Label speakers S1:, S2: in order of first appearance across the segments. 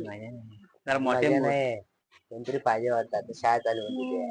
S1: जरा मोठे
S2: मजा
S1: बोल.
S2: नाही कोणतरी पाहिजे वाटतं आता शाळा चालू होती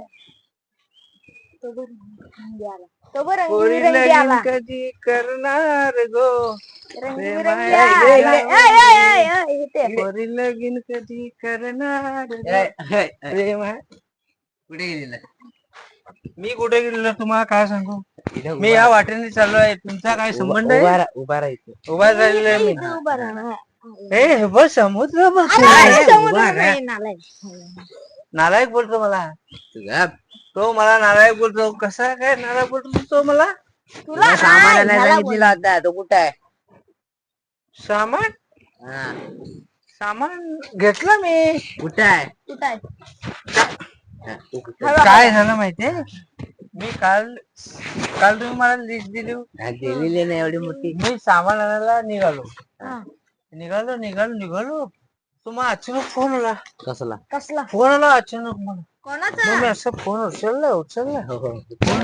S3: तो बरं
S1: पोरी
S3: रंगीबेरंगी
S1: लगीन
S3: आला.
S1: कधी करणार गो
S3: रंगीबेरंगी
S1: प्रेमाया
S3: आला.
S1: गेला.
S3: इथे.
S1: पोरी लगीन कधी करणार गो प्रेमाया. कुठे गेलेला मी कुठे गेलेलो तुम्हाला काय सांगू. मी या वाटेने चाललो आहे. तुमचा काय संबंध आहे.
S2: उभा राहायचं
S1: उभा राहिलेला आहे मी.
S3: इथे उभा राहा.
S1: हे बस समुद्र बघ.
S3: अरे, समुद्र नाही, नालायक.
S1: नालायक बोलतो मला.
S2: तुझा
S1: तो मला नालायक बोलतो. कसा काय नालायक बोलतो तो मला.
S3: तुला
S2: सामान
S3: ह्याला
S2: आणायला सांगितलेला होता तो कुठं आहे
S1: सामान
S2: हा
S1: सामान घेतलं मी.
S2: कुठं आहे
S3: कुठं आहे?
S2: हा, तू कुठं आहे?
S1: काय झालं माहितीये मी काल तुम्ही मला लिस्ट दिली.
S2: हा, दिलेली नाही एवढी मोठी
S1: मी सामान आणायला निघालो.
S3: हा.
S1: निघालो तुम्हाला अचानक फोन आला.
S2: कसला
S3: कसला?
S1: फोन आला अचानक मला.
S3: कोणाचा?
S1: मग मी असं फोन उचलला
S2: हो, हो.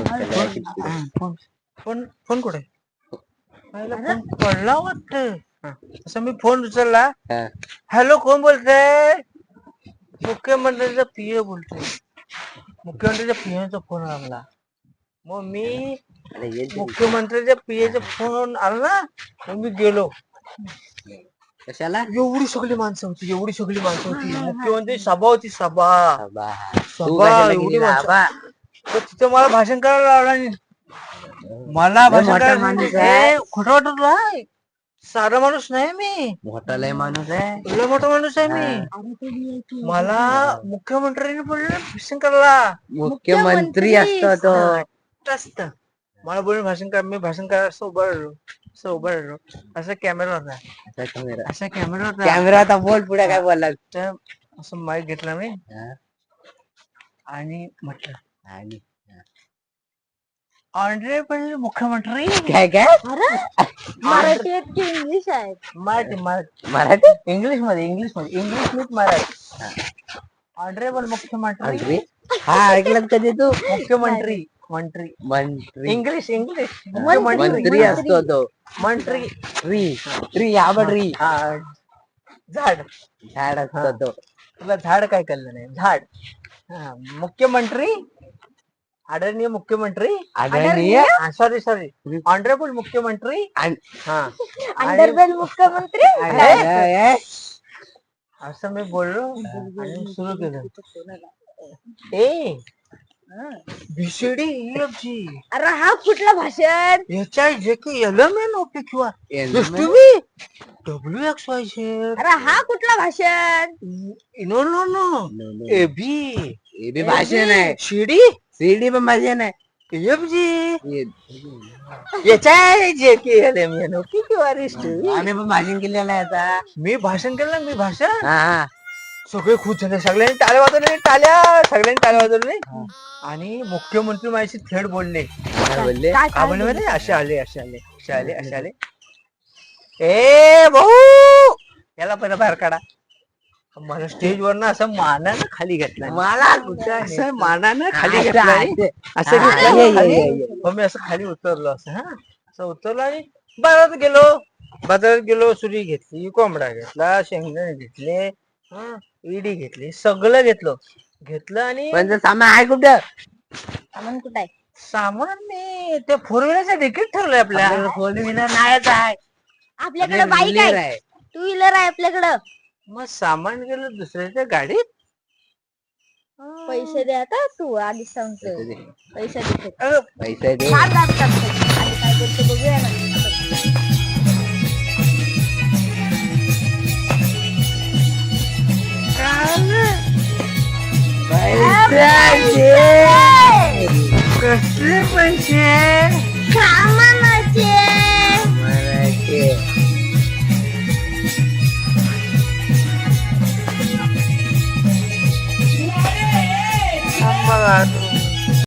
S1: फोन कुठे फोन पडला वाटत. असं मी फोन उचलला.
S2: हा.
S1: हॅलो कोण बोलतय. मुख्यमंत्र्यांचा पीए बोलतोय. मुख्यमंत्र्यांच्या पीएचा फोन आला मला. मग मी
S2: अरे ये ते.
S1: मुख्यमंत्र्यांच्या पीएचा फोन आला ना. मग मी गेलो.
S2: कशाला
S1: एवढी सगळी माणसं होती. मुख्यमंत्री सभा होती. सभा
S2: आबा. तू
S1: सभा
S2: कशाला
S1: एवढी
S2: गेलेला
S1: माणसं.
S2: आबा?
S1: तर तिथे मला भाषण करायला लावला नाही. मला
S2: लय
S1: भाषण
S2: मोठा
S1: करायला
S2: माणूस आहे.
S1: खोटं वाटत तुला. साधा माणूस नाही मी.
S2: मोठा लय माणूस आहे
S1: लय मोठा माणूस आहे मी. मला मुख्यमंत्र्यांनी बोलले भाषण करायला.
S2: मुख्यमंत्री असतो तो
S1: असत मला बोलून भाषण कर. मी भाषण करायला असं उभं राहिलो. असा कॅमेरा होता. असा कॅमेरा होता.
S2: कॅमेरा आता बोल पुढे काय बोलला
S1: तर असं माईक घेतला मी
S2: हा.
S1: आणि म्हटलं
S2: आणि
S1: ऑनरेबल मुख्यमंत्री.
S2: काय काय
S3: अरे मराठी आहेत की इंग्लिश आहे?
S2: मराठी
S1: इंग्लिश मीच मराठी. ऑनरेबल मुख्यमंत्री.
S2: मंत्री हा ऐकलं कधी तू
S1: मुख्यमंत्री मंत्री
S2: मंत्री
S1: इंग्लिश
S2: मंत्री असतो तो
S1: मंत्री.
S2: ट्री आवड
S1: झाड
S2: झाड असतो तो
S1: तुला झाड काय कळलं नाही. झाड. मुख्यमंत्री आदरणीय मुख्यमंत्री.
S2: आदरणीय
S1: सॉरी ऑनरेबल मुख्यमंत्री. हा
S3: अंडरबेल मुख्यमंत्री.
S1: असं मी बोललो आणि सुरू केलं. ए बीसीडी EFG
S3: अरे हा कुठलं भाषण?
S1: HIJKLMNOPQR WXYZ.
S3: अरे हा कुठलं भाषण?
S1: नो AB
S2: हे बी भाषण आहे
S1: CD
S2: पण भाषण आहे
S1: EFG HIJKLMNOPQR.
S2: आम्ही पण भाषण केलेलं आहे आता
S1: मी भाषण केलं मी भाषण.
S2: हा
S1: सगळे खुश झाले. सगळ्यांनी टाळ्या वाजवले. आणि मुख्यमंत्री माझ्याशी थेट बोलले.
S2: बोलले
S1: का बोलले माहिती? असे आले. ए भाऊ याला पहिला बाहेर काढा. मला स्टेजवर ना असं मानानं खाली घेतलं.
S2: मला कुठं
S1: असं मानानं खाली
S2: असं
S1: घेतलं. असं
S2: हा,
S1: घेतलं
S2: ये,
S1: खाली.
S2: ये.
S1: मग मी असं खाली उतरलो. असं उतरलो आणि बाजारात गेलो. सुरी घेतली, कोंबडा घेतला, शेंगदाणे घेतले, इडी घेतली, सगळं घेतलं आणि
S2: पण सामान आहे कुठं
S3: सामान कुठं आहे?
S1: सामान मी ते 4 व्हीलरचं तिकीट ठेवलंय आपल्या.
S2: 4 व्हीलर नाहीच आहे
S3: आपल्याकडे बाईक आहे, 2 व्हीलर आहे आपल्याकडं.
S1: मग सामान गेलं दुसऱ्याच्या गाडीत.
S3: पैसे दे आता तू आधी सांगतो. पैसे दे.
S2: पैसे दे
S3: फार दाब काढतो. आधी काय करतो बघूया ना.
S1: कसले पैसे.
S3: सामान